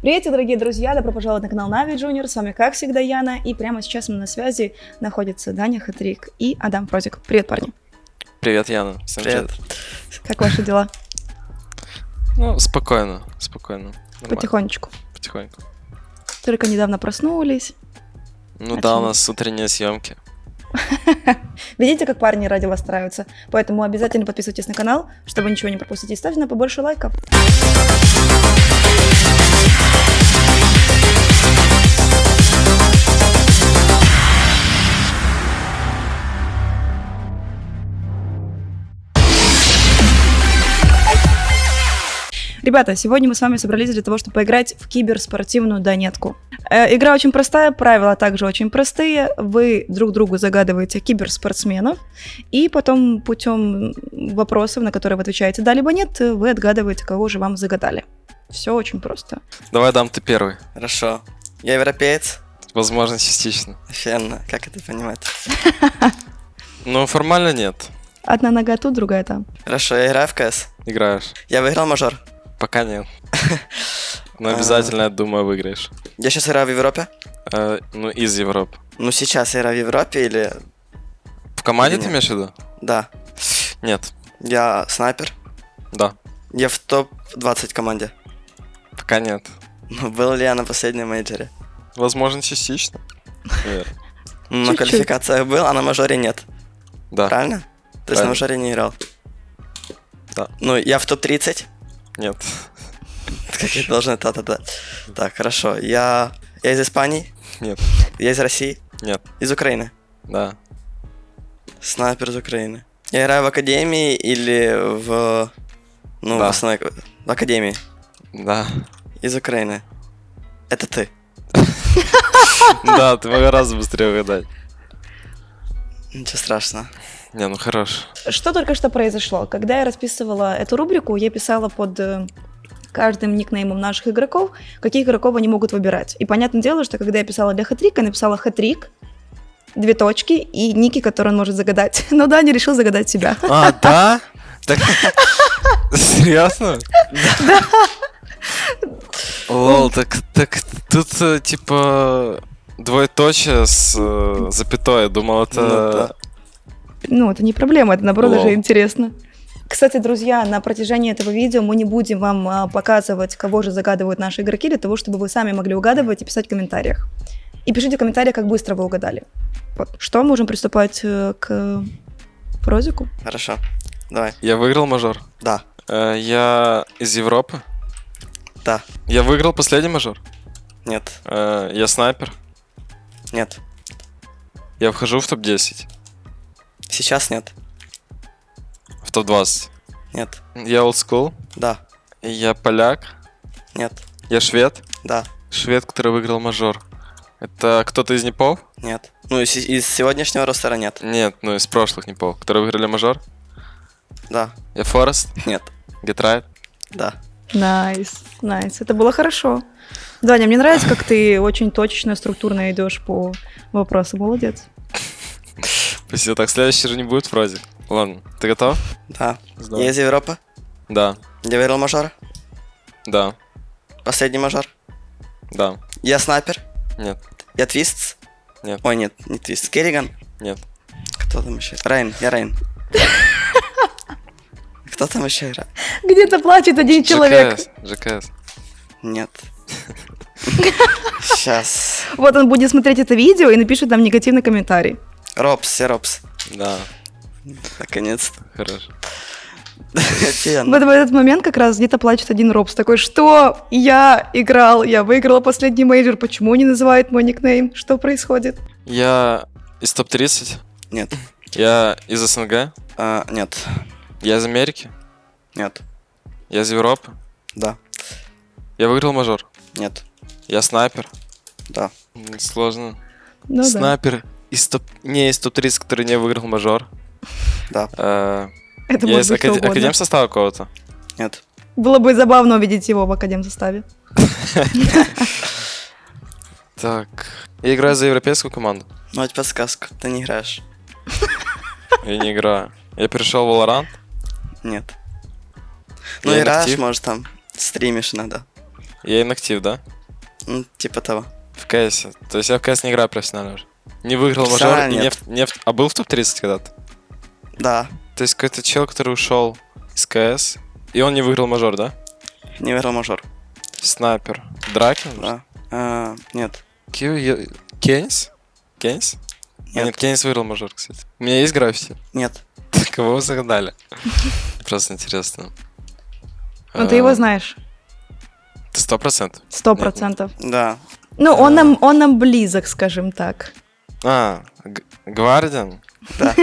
Привет, дорогие друзья, добро пожаловать на канал Нави Junior, с вами, как всегда, Яна, и прямо сейчас на связи находятся Даня Хатрик и Адам Фрозик. Привет, парни. Привет, Яна. Всем привет. Как ваши дела? Ну, спокойно. Нормально. Потихонечку. Потихоньку. Только недавно проснулись. Ну да, у нас утренние съемки. Видите, как парни ради вас стараются? Поэтому обязательно подписывайтесь на канал, чтобы ничего не пропустить, и ставьте на побольше лайков. Ребята, сегодня мы с вами собрались для того, чтобы поиграть в киберспортивную донетку. Игра очень простая, правила также очень простые. Вы друг другу загадываете киберспортсменов, и потом путем вопросов, на которые вы отвечаете «да» либо «нет», вы отгадываете, кого же вам загадали. Все очень просто. Давай, Дам, ты первый. Хорошо. Я европеец? Возможно, частично. Офигенно. Как это понимать? Ну, формально нет. Одна нога тут, другая там. Хорошо, я играю в КС. Играешь. Я выиграл мажор. Пока нет. Но обязательно, я думаю, выиграешь. Я сейчас играю в Европе? Ну, из Европы. Ну, сейчас я играю в Европе или... В команде Или ты нет? имеешь в виду? Да. Нет. Я снайпер. Да. Я в топ-20 команде. Пока нет. Ну, был ли я на последнем мейджоре? Возможно, частично. Наверно. На Чуть-чуть. квалификациях был, а на мажоре нет. Да. Правильно? То есть на Правильно. мажоре не играл. Да. Ну, я в топ-30. Нет. Как я должен, да. Так, хорошо. Я из Испании. Нет. Я из России. Нет. Из Украины. Да. Снайпер из Украины. Я играю в академии или в... Ну, Да. в основной... В академии. Да. Из Украины. Это ты. Да, ты мог гораздо быстрее угадать. Ничего страшного. Не, ну хорош. Что только что произошло? Когда я расписывала эту рубрику, я писала под каждым никнеймом наших игроков, каких игроков они могут выбирать. И понятное дело, что когда я писала для Хатрика, я написала Хатрик, 2 точки и ники, которые он может загадать. Но Даня решил загадать себя. А, да? Так... Серьезно? Да. Лол, так тут типа двоеточие с запятой. Я думал, это... Ну, да. Ну, это не проблема, это наоборот Вау. даже интересно. Кстати, друзья, на протяжении этого видео мы не будем вам показывать, кого же загадывают наши игроки, для того, чтобы вы сами могли угадывать и писать в комментариях. И пишите в комментариях, как быстро вы угадали. Вот. Что, можем приступать к Фрозику? Хорошо. Давай. Я выиграл мажор. Да. Я из Европы. Да. Я выиграл последний мажор. Нет. Я снайпер. Нет. Я вхожу в топ-10. Сейчас нет. В топ-20. Нет. Я олдскул. Да. Я поляк. Нет. Я швед. Да. Швед, который выиграл мажор. Это кто-то из непов? Нет. Ну, из сегодняшнего ростера нет. Нет, ну из прошлых непов, которые выиграли мажор. Да. Я Форест. Нет. Гетрайт. Да. Найс, найс. Это было хорошо. Даня, мне нравится, как ты очень точно, структурно идешь по вопросу. Молодец. Спасибо. Так, следующий же не будет вроде. Ладно, ты готов? Да. Здорово. Я из Европы. Да. Я выиграл мажор. Да. Последний мажор. Да. Я снайпер. Нет. Я твист. Нет. Ой, нет, не твист. Керриган. Нет. Кто там еще? Рейн. Я Рейн. Кто там еще играет? Где-то плачет один человек. ЖКС. Нет. Сейчас. Вот он будет смотреть это видео и напишет нам негативный комментарий. Робс, я Робс. Да. Наконец-то. Хорошо. Офигенно. В этот момент как раз где-то плачет один Робс. Такой, что? Я играл, я выиграла последний мейджор. Почему не называют мой никнейм? Что происходит? Я из топ-30. Нет. Я из СНГ. Нет. Я из Америки. Нет. Я из Европы. Да. Я выиграл мажор. Нет. Я снайпер. Да. Сложно. Ну да. Снайпер из не из топ-30, который не выиграл мажор. Да. Это Я может из быть кто угодно. академ состава какого-то. Нет. Было бы забавно увидеть его в академ составе. Так. Я играю за европейскую команду. Ну, это подсказка. Ты не играешь. Я не играю. Я перешел в Valorant. Нет. Ну, Я играешь, инактив. может, там стримишь иногда. Я инактив, да? Ну, типа того. В КС. То есть я в КС не играю профессионально уже. Не выиграл мажор Профессионально и нет. А был в топ-30 когда-то? Да, То есть какой-то чел, который ушел из КС, и он не выиграл мажор, да? не выиграл мажор. Снайпер. Дракен? Да. Нет. Кейнс? Кейнс? Нет. Нет, Кейнс выиграл мажор, кстати. У меня есть граффити. Нет. Кого вы загадали? Просто интересно. Ну, ты его знаешь. Ты 100%? 100%. Да. Ну, он нам близок, скажем так. Гвардиан? Да.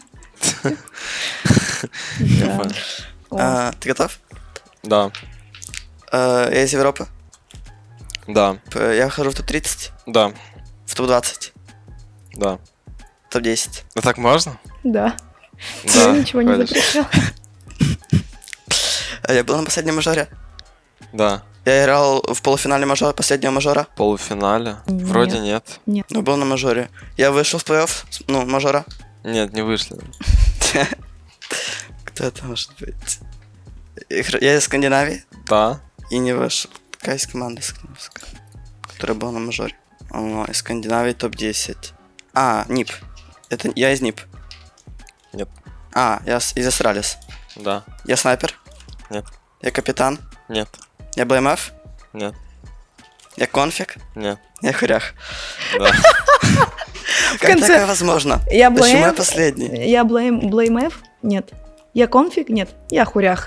Да. О. Ты готов? Да. Я из Европы. Да. Я вхожу в топ-30, Да. в топ-20, Да. топ-10. Ну так можно? Да. Да. Я ничего не ходишь. запрещал. Я был на последнем мажоре. Да. Я играл в полуфинале мажора, последнего мажора. В полуфинале? Нет. Вроде нет. Ну, был на мажоре. Я вышел в плей-офф, ну, мажора. Нет, не вышли. Кто это может быть? Я из Скандинавии Да. и не вышел. Какая есть команда скандинавская, которая была на мажоре? Из Скандинавии топ-10. НИП. Это я из НИП. Нет. Я из Астралис. Да. Я снайпер. Нет. Я капитан. Нет. Я БМФ. Нет. Я конфиг. Нет. Я хурях. Да. Как конце- такое возможно? Я Почему я Blame, последний? я Blame F? Нет. Я конфиг? Нет. Я хурях.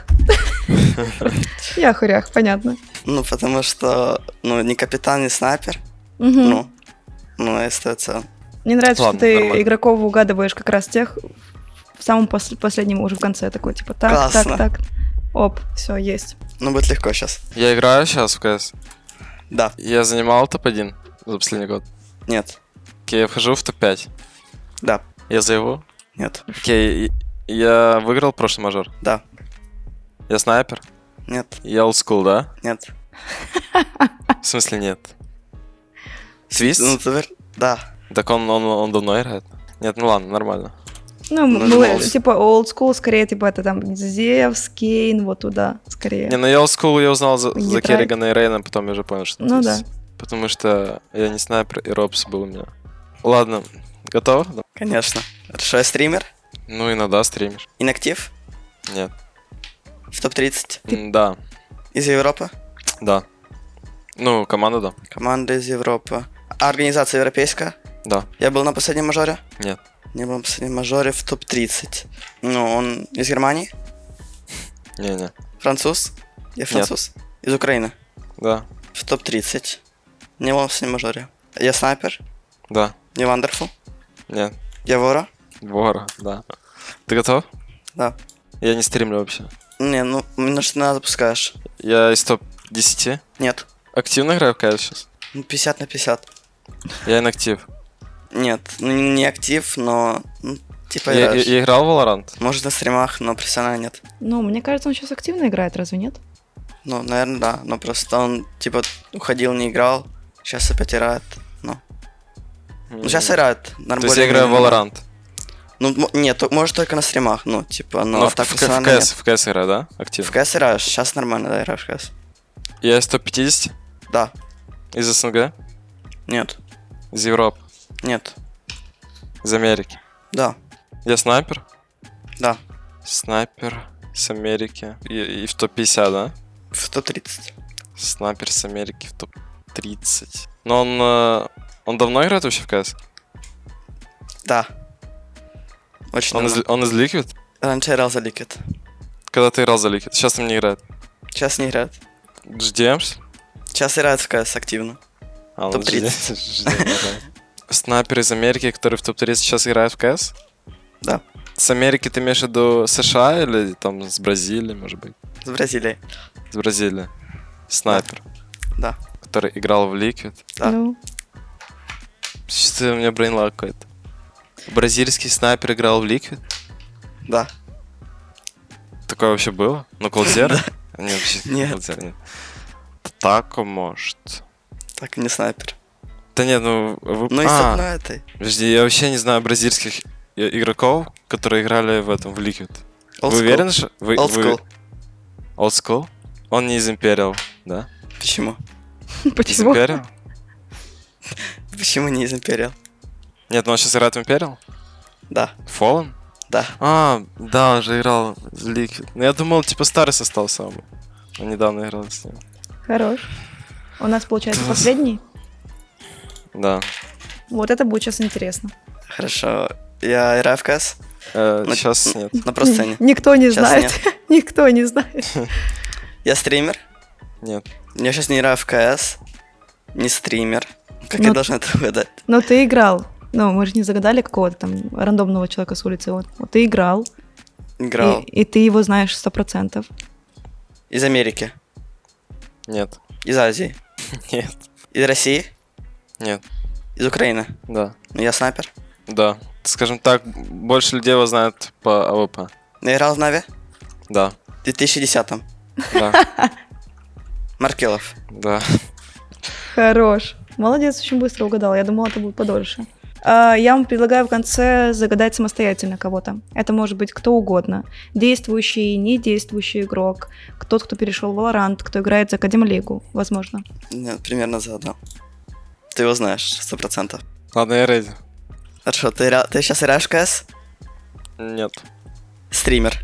Я хурях, понятно. Ну, потому что, ни капитан, ни снайпер. Мгм. Я остается. Мне нравится, Ладно, что ты нормально. игроков угадываешь как раз тех в самом последнем уже в конце такой, типа так, Классно. так. Оп, все, есть. Будет легко сейчас. Я играю сейчас в КС. Да. Я занимал топ-1 за последний год. Нет. Окей, я вхожу в топ-5. Да. Я зову. Нет. Окей, я выиграл прошлый мажор. Да. Я снайпер. Нет. Я олдскул, да? Нет. В смысле нет? Твист? Да. Так он давно играет? Нет, ну ладно, нормально. Ну, Нажимался. типа old school, скорее, типа это там Зевс, Кейн, вот туда, скорее. Не, ну я олдскул я узнал за Гидрайт. Керригана и Рейна, потом я уже понял, что Ну Твист. Потому что я не снайпер, и Робс был у меня. Ладно, готов? Да. Конечно. Хорошо, я стример. Ну иногда стримишь. Инактив. Нет. В топ-30. Да, Из Европы. да. Ну, команда, да. Команда из Европы. Организация европейская. Да. Я был на последнем мажоре. Нет. Не был на последнем мажоре в топ-30. Он из Германии. Не-не. Француз. Я француз. Из Украины. Да. В топ-30. Не был на последнем мажоре. Я снайпер. Да. Не вандерфул. Нет. Я вора. Вора, да. Ты готов? Да. Я не стримлю вообще. Меня что надо запускаешь. Я из топ-10. Нет. Активно играю в КС сейчас? 50 на 50. Я инактив. Нет, не актив, но типа Я играешь. играл в Valorant? Может на стримах, но профессионально нет. Ну, мне кажется, он сейчас активно играет, разве нет? Наверное, да. Но просто он типа уходил, не играл. Сейчас опять играет. Сейчас играет. То есть я играю в Valorant? Нет, может только на стримах. Но Но так в профессионально нет. КС играю, да? Активно. В КС играешь, сейчас нормально, да, играешь в КС. Я из топ-50? Да. Из СНГ? Нет. Из Европы? Нет. Из Америки? Да. Я снайпер? Да. Снайпер с Америки. И в топ-50, да? В топ-30. Снайпер с Америки в топ-30. Но он давно играет вообще в КС? Да. Очень давно. Он из Liquid? Раньше играл за Liquid. Когда ты играл за Liquid? Сейчас там не играет. Сейчас не играет. GDM? Сейчас играет в КС активно. Он Топ-30. GDM играет. Снайпер из Америки, который в топ-30 сейчас играет в КС? Да. С Америки ты имеешь в виду США или там с Бразилии, может быть? С Бразилией. С Бразилии. Снайпер. Да. Который играл в Liquid. Да. Ну, Что-то у меня брейнлаг какой-то. Бразильский снайпер играл в Liquid? Да. Такое вообще было? Ну, Колдзер? Нет, вообще Нет. Колдзер нет. Тако, может. Так, не снайпер. Да нет, ну... Вы... Ну и с одной этой. Подожди, я вообще не знаю бразильских игроков, которые играли в этом, в Liquid. Old Вы school. уверены, что... Old school. Old School? Он не из Imperial, да? Почему? Из Почему? Imperial? Почему не из Imperial? Нет, ну он сейчас играет в Imperial? Да, Fallen? да. А, да, он же играл в Liquid. Ну, я думал, типа, старый состав самый. Он недавно играл с ним. Хорош. У нас, получается, Класс. последний. Да. Вот это будет сейчас интересно. Хорошо. Я играю в КС Сейчас нет. на просцене. Никто не Сейчас знает. Никто не знает. Я стример. Нет. Я сейчас не играю в КС. Не стример. Как Ну, я должен это угадать? Но ты играл. Ну, мы же не загадали какого-то там рандомного человека с улицы. Вот ты играл. Играл. И ты его знаешь 100%. Из Америки. Нет. Из Азии. Нет. Из России. Нет. Из Украины. Да. Ну, я снайпер. Да. Скажем так, больше людей его знают по АВП. Я играл в Нави Да. в 2010-м. Да. Маркелов. Да. Хорош. Молодец, очень быстро угадал. Я думала, это будет подольше. Я вам предлагаю в конце загадать самостоятельно кого-то. Это может быть кто угодно. Действующий, недействующий игрок, тот, кто перешел в Valorant, кто играет за Академлигу, возможно. Нет, примерно загадал. Ты его знаешь, 100%. Ладно, я рейди. Хорошо, ты сейчас играешь в КС? Нет. Стример.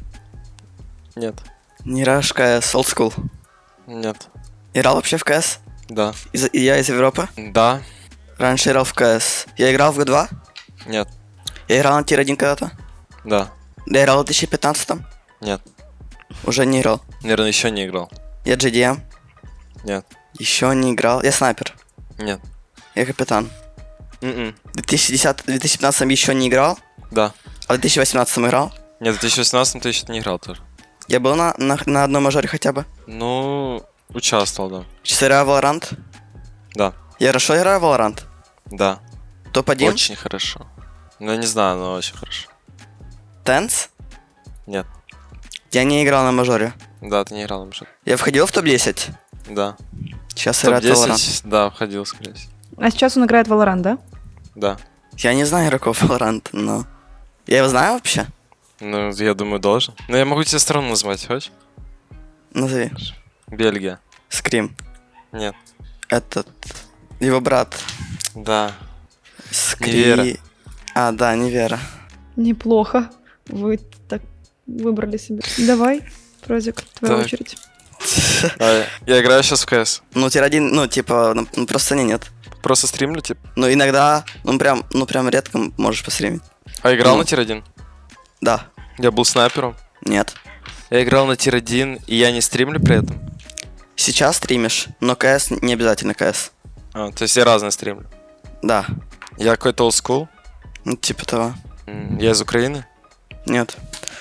Нет. Не играешь в КС, old school. Нет. Играл вообще в КС? Да. Я из Европы. Да. Раньше играл в КС. Я играл в Г2. Нет. Я играл на Тир-1 когда-то. Да. Я играл в 2015-м. Нет. Уже не играл. Наверное, еще не играл. Я GDM. Нет. Еще не играл. Я снайпер. Нет. Я капитан. М-м. В 2015-м еще не играл. Да. А в 2018-м играл. Нет, в 2018 ты еще не играл тоже. Я был на одном мажоре хотя бы. Ну, участвовал, да. Сейчас играю в Valorant. Да. Я хорошо играю в Valorant. Да. Топ-1. Очень хорошо. Ну, я не знаю, но очень хорошо. Тенс. Нет. Я не играл на мажоре. Да, ты не играл на мужик. Я входил в топ-10. Да. Сейчас играю в Valorant. Топ-10, да, входил, скорее всего. А сейчас он играет в Valorant, да? Да. Я не знаю игроков Valorant, но... Я его знаю вообще? Ну, я думаю, должен. Но я могу тебе страну назвать, хочешь? Назови. Бельгия. Скрим. Нет. Этот... Его брат. Да. Скри... Невера. А, да, Невера. Неплохо. Вы так выбрали себе. Давай, Прозик, твоя Так. очередь. А, я играю сейчас в КС. Ну, Тир-1, ну, типа, ну, просто нет. Просто стримлю, типа. Ну, иногда, ну, прям редко можешь постримить. А играл Ну. на Тир-1? Да. Я был снайпером. Нет. Я играл на Тир-1, и я не стримлю при этом. Сейчас стримишь, но КС не обязательно КС. А, то есть я разные стримлю. Да. Я какой-то олдскул. Ну, типа того. Я из Украины. Нет.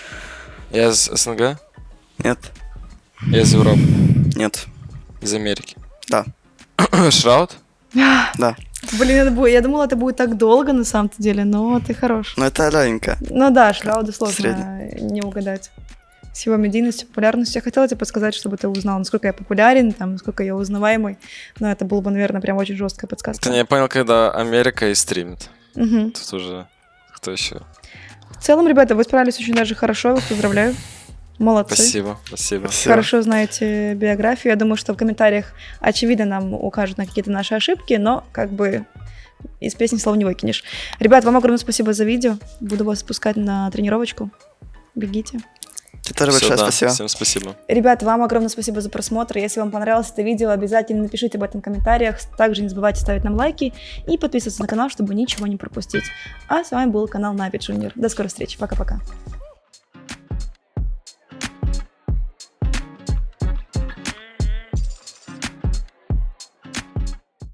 Я из СНГ. Нет. Я из Европы. Нет. Из Америки. Да. Шраут? Да. Блин, я думала, это будет так долго на самом-то деле, но ты хорош. Ну, это легенько. Ну да, Шрауда сложно Средний. не угадать. С его медийностью, популярностью. Я хотела тебе подсказать, чтобы ты узнал, насколько я популярен, там, насколько я узнаваемый. Но это было бы, наверное, прям очень жесткая подсказка. Это я понял, когда Америка и стримит. Мгм. Тут уже кто еще? В целом, ребята, вы справились очень даже хорошо, я вас поздравляю. Молодцы. Спасибо, спасибо. Хорошо знаете биографию. Я думаю, что в комментариях, очевидно, нам укажут на какие-то наши ошибки, но как бы из песни слов не выкинешь. Ребят, вам огромное спасибо за видео. Буду вас спускать на тренировочку. Бегите. Тебе тоже Всё, большое да, спасибо. Всем спасибо. Ребят, вам огромное спасибо за просмотр. Если вам понравилось это видео, обязательно напишите об этом в комментариях. Также не забывайте ставить нам лайки и подписываться на канал, чтобы ничего не пропустить. А с вами был канал Нави Junior. До скорой встречи. Пока-пока.